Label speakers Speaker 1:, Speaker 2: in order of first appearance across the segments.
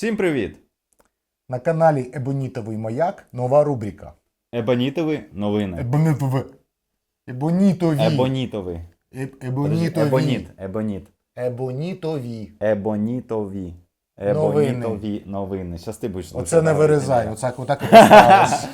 Speaker 1: Всім привіт!
Speaker 2: На каналі Ебонітовий Маяк нова рубрика.
Speaker 1: Ебонітові новини.
Speaker 2: Ебонітові.
Speaker 1: Ебонітові.
Speaker 2: Ебонітові.
Speaker 1: Ебоніт.
Speaker 2: Ебонітові.
Speaker 1: Ебонітові. Ебонітові новини. Щас ти будеш
Speaker 2: Оце не вирізай, отак і поставиш.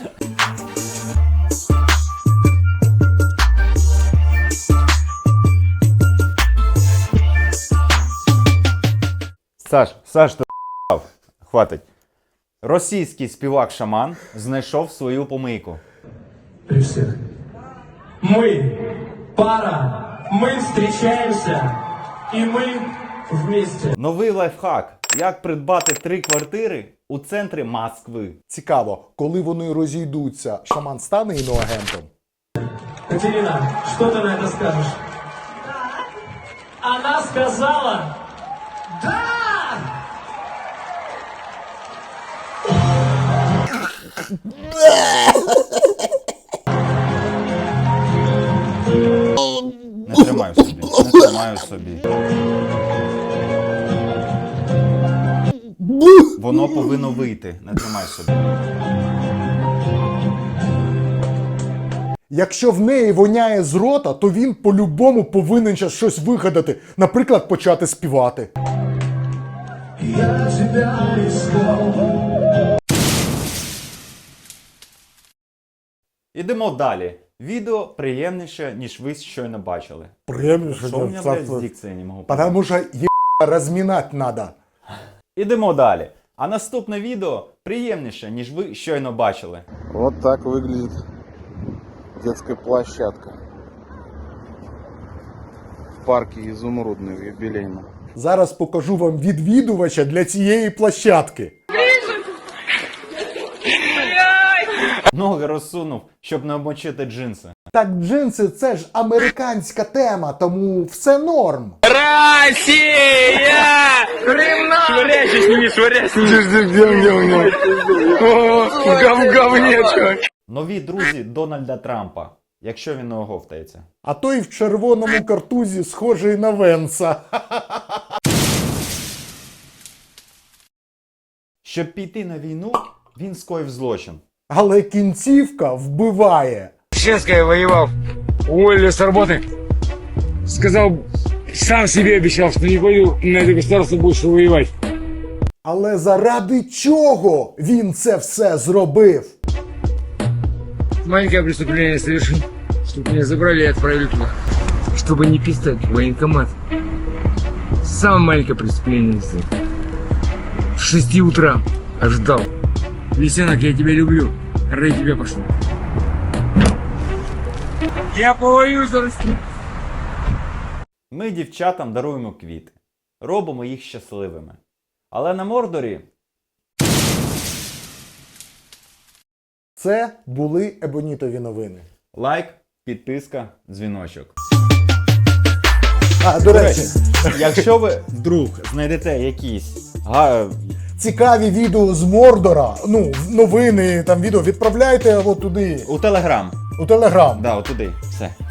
Speaker 1: Саш, ти хватить. Російський співак-шаман знайшов свою помийку.
Speaker 3: При всех. Мы пара, мы встречаемся, и мы вместе.
Speaker 1: Новий лайфхак. Як придбати 3 квартири у центрі Москви.
Speaker 2: Цікаво, коли вони розійдуться, шаман стане іноагентом?
Speaker 3: Катерина, что ты на это скажешь? Она сказала «Да!»
Speaker 1: Не тримаю собі. Не тримаю собі. Воно повинно вийти. Не тримай собі.
Speaker 2: Якщо в неї воняє з рота, то він по-любому повинен зараз щось вигадати. Наприклад, почати співати.
Speaker 3: Я тебя искал.
Speaker 1: Ідемо далі. Відео приємніше, ніж ви щойно бачили.
Speaker 2: Приємніше.
Speaker 1: Що у мене, блядь, з дикцією не можу понять.
Speaker 2: Потому що розмінати треба.
Speaker 1: Ідемо далі. А наступне відео приємніше, ніж ви щойно бачили.
Speaker 4: Вот так выглядит детская площадка в парке Изумрудный в Юбилейном.
Speaker 2: Зараз покажу вам відвідувача для цієї площадки.
Speaker 1: Ноги розсунув, щоб не обмочити джинси.
Speaker 2: Так джинси – це ж американська тема, тому все норм.
Speaker 1: Нові друзі Дональда Трампа, якщо він не оговтається.
Speaker 2: А той в червоному картузі схожий на Венса.
Speaker 1: Щоб піти на війну, він скоїв злочин.
Speaker 2: Але кінцівка вбиває.
Speaker 5: Честно, я воевал. Уволили с работы. Сказал, сам себе обещал, что не пойду на это государство больше воевать.
Speaker 2: Але заради чого він це все зробив?
Speaker 5: Маленькое преступление совершил, чтобы меня забрали и отправили туда. Чтобы не пистать в военкомат. Самое маленькое преступление сделал. В 6 утра ожидал. Лисенок, я тебя люблю. Ради тебя пошел. Я повоюю за Россию.
Speaker 1: Ми дівчатам даруємо квіти. Робимо їх щасливими. Але на Мордорі
Speaker 2: Це були Ебонітові новини.
Speaker 1: лайк, підписка, дзвіночок.
Speaker 2: До речі,
Speaker 1: Якщо ви вдруг знайдете якісь
Speaker 2: цікаві відео з Мордора, новини, там відео, відправляйте от туди,
Speaker 1: у Телеграм.
Speaker 2: у Телеграм.
Speaker 1: Да, отуди. Все.